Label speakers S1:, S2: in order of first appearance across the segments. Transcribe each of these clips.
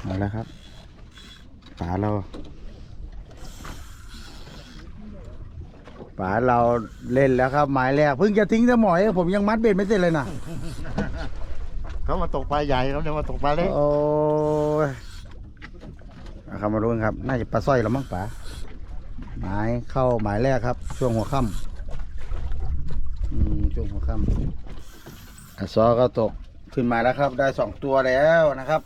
S1: เอาแล้วครับป๋าเราเล่นแล้วครับหมายแรกเพิ่งจะทิ้งสมอยผมยังมัดเบ็ดไม่เสร็จเลยนะ
S2: เขามาตกปลาใหญ่เขาจะมาตกปลาเล็ก
S1: โอ้ยเอามาดูกันครับน่าจะปลาสร้อยแล้วมั้งป๋าหมายเข้าหมายแรกครับช่วงหัวค่ำช่วงหัวค่ำซอก็ตกขึ้นมาแล้วครับได้2 ตัวแล้วนะครับ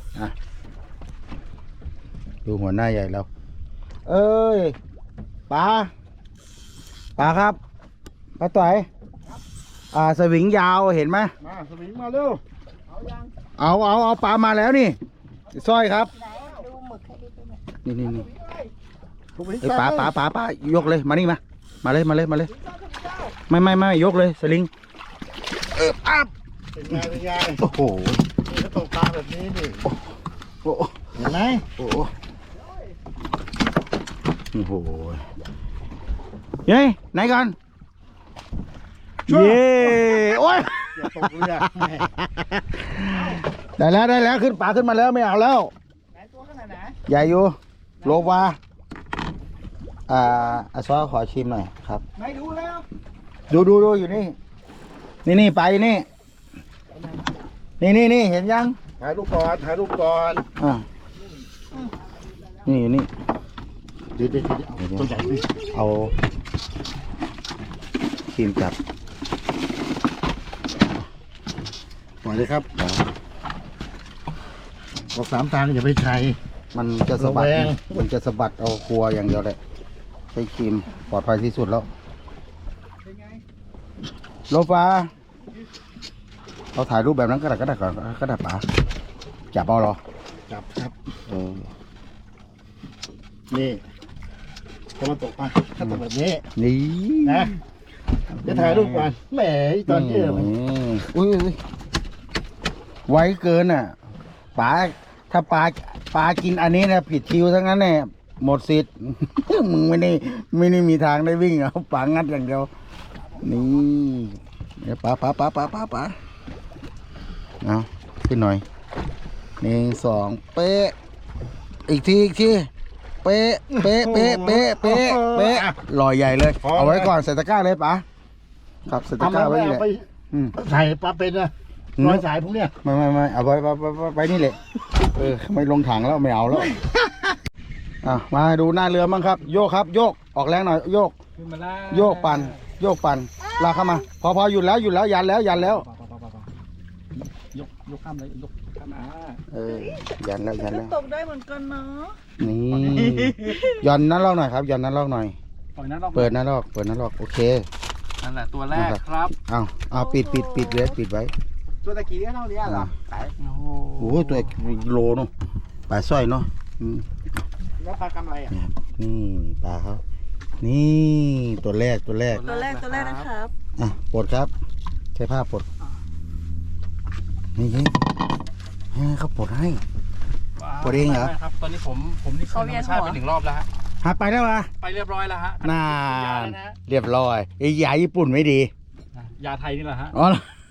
S1: ดูหัวหน้าใหญ่เราเอ้ยปลาครับปลาต่อยสวิงยาวเห็นไหม
S2: มาสวิงมาเร็ว
S1: เอาปลามาแล้วนี่สร้อยครับนี่ปลายกเลยมานี่มาเลยไม่ยกเลยสลิงอัพ
S2: เป็นไง
S1: โอ้โห
S2: นี่เขาตกปลาแบบนี้นี่เห็นไหม
S1: โหเย้ไหนกันเย้โอ้ย
S2: อย่าตกเรือ
S1: ได้แล้วขึ้นปลาขึ้นมาแล้วไม่เอาแล้ว
S2: ไหนตัวขนาดไหน
S1: ใหญ่อยู่โลวาซอขอชิมหน่อยครับ
S2: ไม่ดูแล้ว
S1: ดูอยู่นี่ไปนี่เห็นยัง
S2: ถ่ายรูปก่อน
S1: นี่อยู่นี่
S2: เดี๋ยวตัวใหญ่ดิ
S1: เอาชิมจับ
S2: ปล่อยเลยครับออก3 ทางอย่าไปใช้
S1: มันจะสะบัดเอาครัวอย่างเดียวเลยใช้ครีมปลอดภัยที่สุดแล้วโลฟ้าเราถ่ายรูปแบบนั้นก็ได้ก่อนก็ได้ป๋าจับเอาหรอ
S2: จับครับนี่จะมาตกมาถ้าตกแบบนี้
S1: นี่
S2: นะจะถ่ายรูปก่อนแหมตอนเยอะ
S1: อุ้ยไวเกินอ่ะป๋าถ้าปลากินอันนี้นะผิดคิวทั้งนั้นเนี่ยหมดสิทธิ์ มึงไม่ได้มีทางได้วิ่งเอาป๋างัดอย่างเดียวนี่เดี๋ยวป๋าเอาขึ้นหน่อย1 2เป๊ะอีกทีเป๊ะลอยใหญ่เลยเอาไว้ก่อนใส่ตะกร้าเลยป๋าครับใส่ตะกร้าไว้นี่แหละ
S2: ใส่ปลาเป็นนะร้อยสายพวกเนี้ย
S1: ไม่เอาไว้นี่แหละไม่ลงถังแล้วไม่เอาแล้วมาดูหน้าเรือมั้งครับโยกครับโยกออกแรงหน่อยโยกปั่นลากเข้ามาพอหยุดแล้วยันแล้ว
S2: ยกข้ามเลยยกข้าม
S1: ยันแล้ว
S3: ตกได้เหมือนกันเนาะ
S1: นี่ยันนั้นลอกหน่อยครับยันนั้นลอกหน่อยเปิดนั้นลอกโอเค
S2: นั่นแหละตัวแรกครับ
S1: เอาปิดเลยปิดไว้
S2: ตัวตะกี้เท่านี้เหรอ
S1: โอ้โหตัวโลเนาะปลาสร้อยเนาะ
S2: แล้วปลากำไร
S1: นี่ปลาเขานี่ตัวแรก
S3: นะครับ
S1: ปลดครับใช้ผ้าปลดนี่เขาปลดให้ปลดเองเหรอ
S2: ครับตอนนี้ผมนี่เข้าธรรมชาติไป1 รอบแล้วฮะ
S1: หาไปแล้ววะ
S2: ไปเรียบร้อยแล้วฮะ
S1: น่าเรียบร้อยไอ้ยาญี่ปุ่นไม่ดี
S2: ยาไทยนี่แหละฮะ
S1: อ๋อ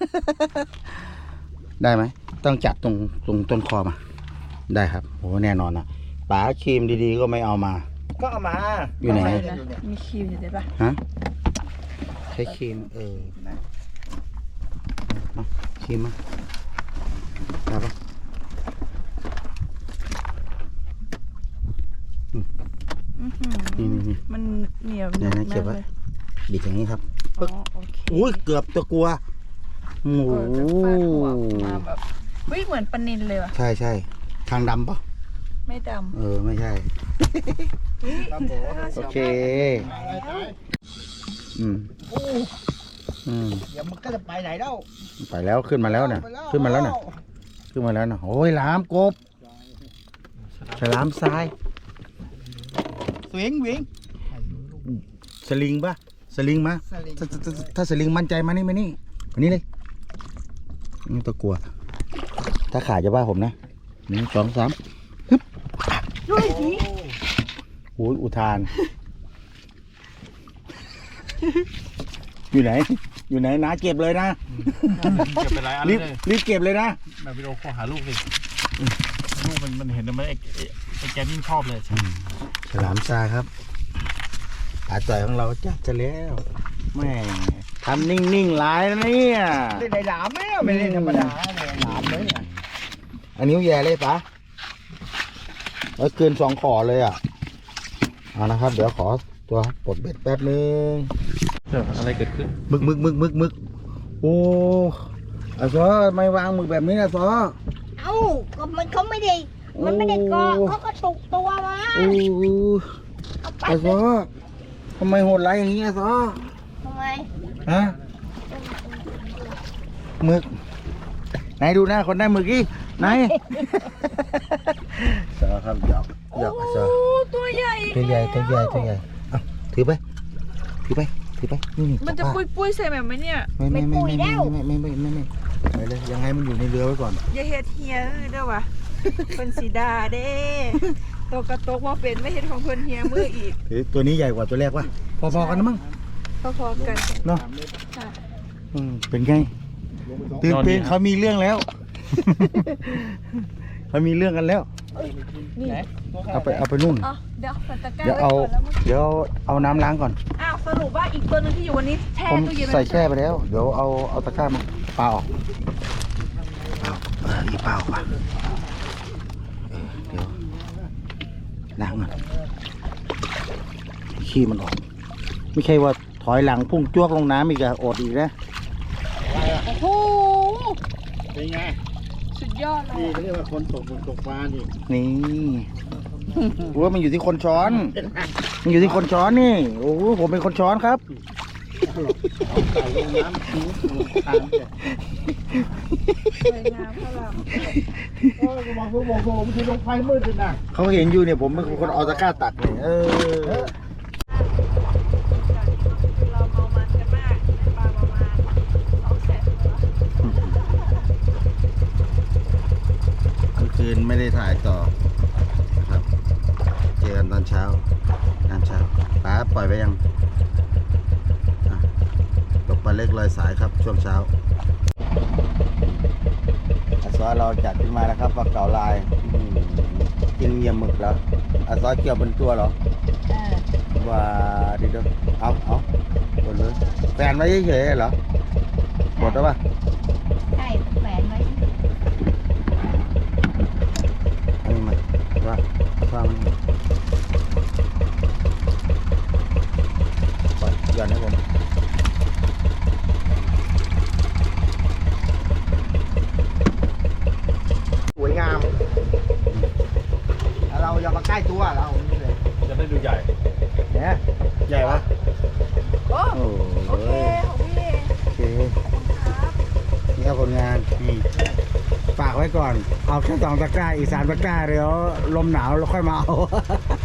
S1: ได้ไหมต้องจับตรงต้นคอมาได้ครับโอ้แน่นอนนะป๋าครีมดีๆก็ไม่เอามา
S2: ก็เอามา
S1: อยู่ไหน
S3: มีครีมอยู่ได้ปะ
S1: ฮะใช้ครีมครีมมาได้ปะนี่
S3: มันเหนียว
S1: เนี่ยนะเก็บไว้บิดอย่างนี้ครับอุ้ยเกือบตะกัวโอ้โห
S3: แบบเหมือนปลานิลเลยว่ะ
S1: ใช่ทางดำปะ
S3: ไม่ด
S1: ำไม่ใช่โอเค
S2: เดี๋ยวมันก็จะไปไหนแล้ว
S1: ไปแล้วขึ้นมาแล้วเนี่ยขึ้นมาแล้วนะโอ้ยหลามกบฉลามทราย
S2: วิ่ง
S1: สลิงปะสลิงมาถ้าสลิงมั่นใจมานี่เลยนี่ตัวกลัวถ้าขาจะว่าผมนะ1 2 3ฮึบโอ้ยอุทานอยู่ไหนนะเก็บเลยนะ
S2: เก็บไปหลายอันเลย
S1: รีบเก็บเลยนะ
S2: แบบวิดีโอขอหาลูกสิลูกมันเห็นแล้วมันไอ้แกยิ่งชอบเลย
S1: ฉลามซาครับปลาจ่อยของเราจับจะแล้วแม่ทำนิ่งๆหลายนะเนี่ย
S2: ได้หลามไหมไม่ได้ธรรมดาเลยหลามเลยเนี่ย
S1: อันนี้แย่เลยปะแล้วเกิน2 ขอเลยอ่ะเอานะครับ เดี๋ยวขอตัวปลดเบ็ดแป๊บนึง
S2: อะไรเกิดขึ้น
S1: มึกโอ้อาซอไม่วางมึกแบบนี้นะซอ
S4: เอ้าก็เขาไม่ได้มันไม่ได้เกาะเขาก็ตกตัวมา
S1: โอ้
S4: เอาไป
S1: อาซอทำไมโหดร้ายอย่างนี้อาซอ
S4: ทำไม
S1: ฮะมึกไหนดูหน้าคนได้มึกอีไหน ซอครับหยอกอาซอ
S3: โอ้ตัวใหญ่อีก
S1: ตัวใหญ่
S3: แล้ว
S1: ตัวใหญ่ตัวใหญ่เอาถือไปนี่
S3: มันจะปุ้ยๆใส่แบบไหมเนี่ย
S1: ไม่เลยยังไงมันอยู่ในเรือไว้ก่อน
S3: อย่าเฮ็ดเฮียเลยเด้อวะ เป็นสีดาเด้ตัวกระตกมาเป็นไม่เห็นของเพิ่นเฮียมืออีก
S1: ถือตัวนี้ใหญ่กว่าตัวแรกวะพอๆกันนะมั้ง
S3: พอๆกัน
S1: เนาะ
S3: ค่ะ
S1: เป็นไงตื่นเต้นเขามีเรื่องแล้ว เขามีเรื่องกันแล้ว
S3: นี่
S1: เอาไปนู่น
S3: อ๋อเดี๋ยวใส่ตะกร้า
S1: เดี๋ยว
S3: ไว้
S1: เอา
S3: ก่อนแล้วมึง
S1: เดี๋ยวเอาน้ำล้างก่อน
S3: อ้าวสรุปว่าอีกตัวหนึงที่อยู่วันนี้แช่
S1: ผม
S3: ตู้เย็นไว้
S1: ใส่แช่ไปแล้ว เดี๋ยวเอาตะกร้ามาเปล่าออกอีเปล่าป่ะเดี๋ยวล้างก่อนขี้มันออก ไม่ใช่ว่าถอยหลังพุ่งจ้วกลงน้ำอีกอะอดอีกนะ
S3: โอ้โห
S2: เป็นไง
S3: สุดยอดเลย
S2: นี่เขาเรียกว่าคนตกปลานี่
S1: นี่ว่ามันอยู่ที่คนช้อน มันอยู่ที่คนช้อนนี่ โอ้โหผมเป็นคนช้อนครับ
S2: เอาใส่ลงน้ำทิ้งทางเนี่ย
S3: สวยงามพลัง
S2: โอ้ยมองมันคือลงไฟมืดเลยนะ
S1: เขาเห็นอยู่เนี่ยผมเป็นคนเอาตะกร้าตักเลย
S3: เราเมามันกันมากได้ปลาประมาณ200,000ตัว
S1: กลางคืนไม่ได้ถ่ายต่อนะครับ เจอกันตอนเช้าป้าปล่อยไปยังอ่ะตกปลาเล็กลอยสายครับช่วงเช้าอาซอเราจัดขึ้นมาแล้วครับปลาเก๋าลายกินเหยี่ยมหมึกแล้วอาซอเกี่ยวเป็นตัวเหรอว่าดีด้วยเอาหมดเลยแฟนไว้เฉยๆเหรอหมดแล้วป่ะ
S4: ใช่แหวนไว้
S1: อันนี้มันว่ามันปล่อยหย่อนให้ผมสวยงามแล้วเราอย่ามาใกล้ตัวเรานี่เลย
S2: จะได้ดูใหญ่
S1: เนี่ยใหญ่ปะ
S3: โอ้
S1: โอ้
S3: โอเคของพี่
S1: โอเคนี่ครับผลงานนี่ฝากไว้ก่อน เอาแค่2 ตะกร้าอีก3 ตะกร้าเดี๋ยวลมหนาวแล้วค่อยมาเอา